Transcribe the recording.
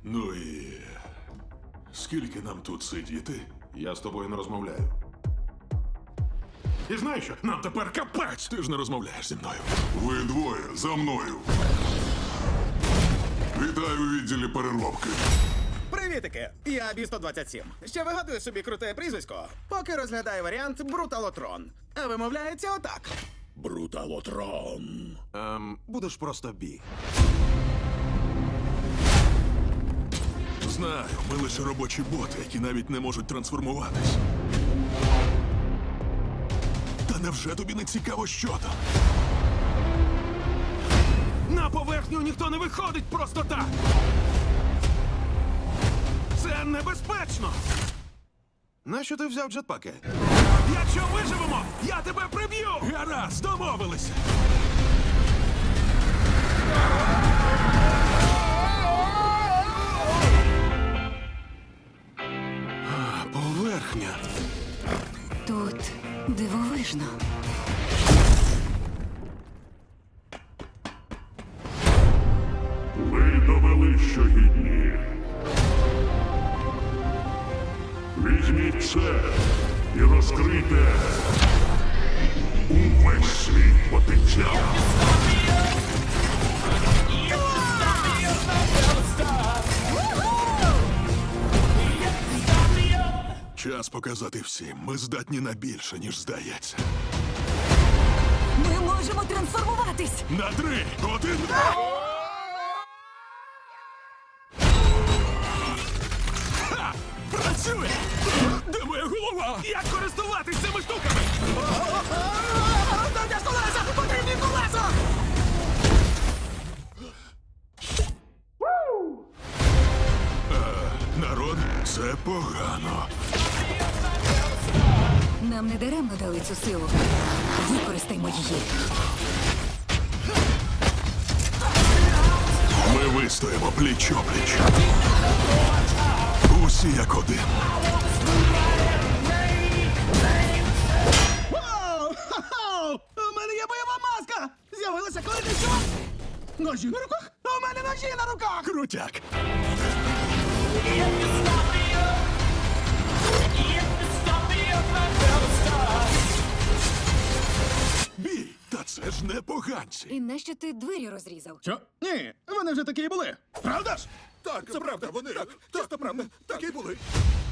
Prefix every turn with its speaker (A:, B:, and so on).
A: Ну і скільки нам тут сидіти? Я з тобою не розмовляю. І знаєш що? Нам тепер капець! Ти ж не розмовляєш зі мною.
B: Ви двоє за мною. Вітаю у відділі переробки.
C: Привітики! Я Бі-127. Ще вигадую собі круте прізвисько, поки розглядаю варіант Бруталотрон. А вимовляється отак. Бруталотрон.
D: Будеш просто Бі.
A: Знаю, ми лише робочі боти, які навіть не можуть трансформуватись. Та невже тобі не цікаво, що там? На поверхню ніхто не виходить просто так! Це небезпечно!
D: Нащо ти взяв джетпаки?
A: Якщо виживемо, я тебе приб'ю! Гаразд, домовилися! Поверхня.
E: Тут дивовижно.
B: Ви довели, що гідні. Візьміть це і розкрийте увесь свій потенціал.
A: Час показати всім. Ми здатні на більше, ніж здається.
E: Ми можемо трансформуватись!
A: На 3, 1... Ха! Працює! Де моя голова? Як користуватись цими штуками?
C: Дайте колеса! Потрібні колеса!
A: Народ, це погано.
E: Нам не даремно дали цю силу. Використаймо її.
A: Ми вистоїмо пліч-опліч. Усі як один.
C: Вау! Ха-ха! У мене є бойова маска! З'явилася коли ти що? Ножі на руках? У мене ножі на руках!
A: Крутяк. Бій! Та це ж не поганці.
E: І нащо ти двері розрізав?
C: Що? Ні, вони вже такі і були. Правда ж?
B: Так, це правда, вони чисто правда, так і були.